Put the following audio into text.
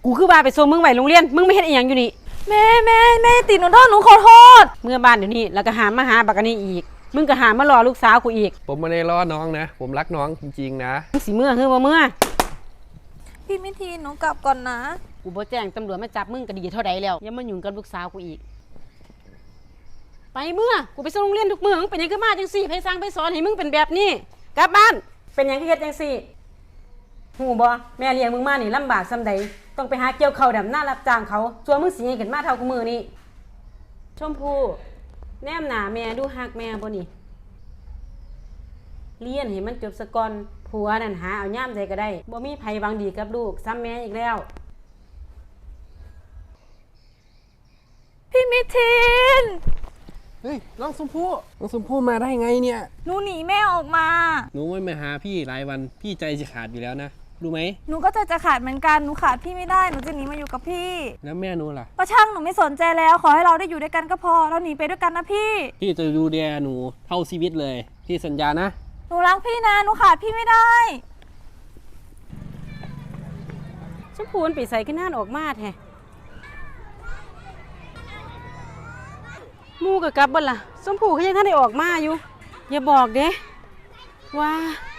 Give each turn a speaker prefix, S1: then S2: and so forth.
S1: กูคือว่าไปส่งมึงไว้โรงเรียนมึงไม่เฮ็ดอีหยังอยู่นี่
S2: แม่ติดหนูโทษหนูขอโทษ
S1: เมื่อบ้านเดี๋ยวนี้แล้วก็หามาหาบักอันนี้อีกมึงก็หามารอลูกสาวกูอีก
S3: ผมไม่ได้ล้อน้องนะผมรักน้องจริงๆนะ
S1: มึงสิเมื่อคือบ่เมื่อ
S2: พี่มิทีนหนูกลับก่อนนะ
S1: กูบ่แจ้งตำรวจมาจับมึงก็ดีเท่าใดแล้วอย่ามายุ่งกับลูกสาวกูอีกไปเมื่อกูไปส่งโรงเรียนทุกมื้อมึงเป็นหยังคือมาจังซี่ไผสั่งไผสอนให้มึงเป็นแบบนี้กลับบ้านเป็นหยังคือเฮ็ดจังซี่ฮู้บ่แม่เลี้ยงมึงมานี่ลำบากส่ำใดต้องไปหาเกี่ยวข้าวดำหน้ารับจ้างเขาส่วนมึงสิให้ขึ้นมาเท่ากูมื้อนี้ชมพู่แนมหน้าแม่ดูฮักแม่บ่นี่เรียนให้มันจบซะก่อนผัวนั่นหาเอาย่ามใดก็ได้บ่มีไผหวังดีกับลูกซ้ำแม่อีกแล้ว
S2: พี่มิทีน
S3: เฮ้ยน้องชมพู่มาได้ไงเนี่ย
S2: หนูหนีแม่ออกมา
S3: หนูไม่มาหาพี่หลายวันพี่ใจจะขาดอยู่แล้วนะรู้ไหม
S2: หนูก็จะขาดเหมือนกันหนูขาดพี่ไม่ได้หนูจะหนีมาอยู่กับพี่
S3: แล้วแม่หนูล่ะ
S2: ก็ช่างหนูไม่สนใจแล้วขอให้เราได้อยู่ด้วยกันก็พอเราหนีไปด้วยกันนะพี่
S3: จะดูแลหนูเท่าชีวิตเลยพี่สัญญานะ
S2: หนูรักพี่นะหนูขาดพี่ไม่ได้
S1: ชมพูนปีใส่ขึ้นหน้าออกมาแท้มูกับกลับบ่ล่ะชมพูเขายังท่านได้ออกมาอยู่อย่าบอกเด้ว่า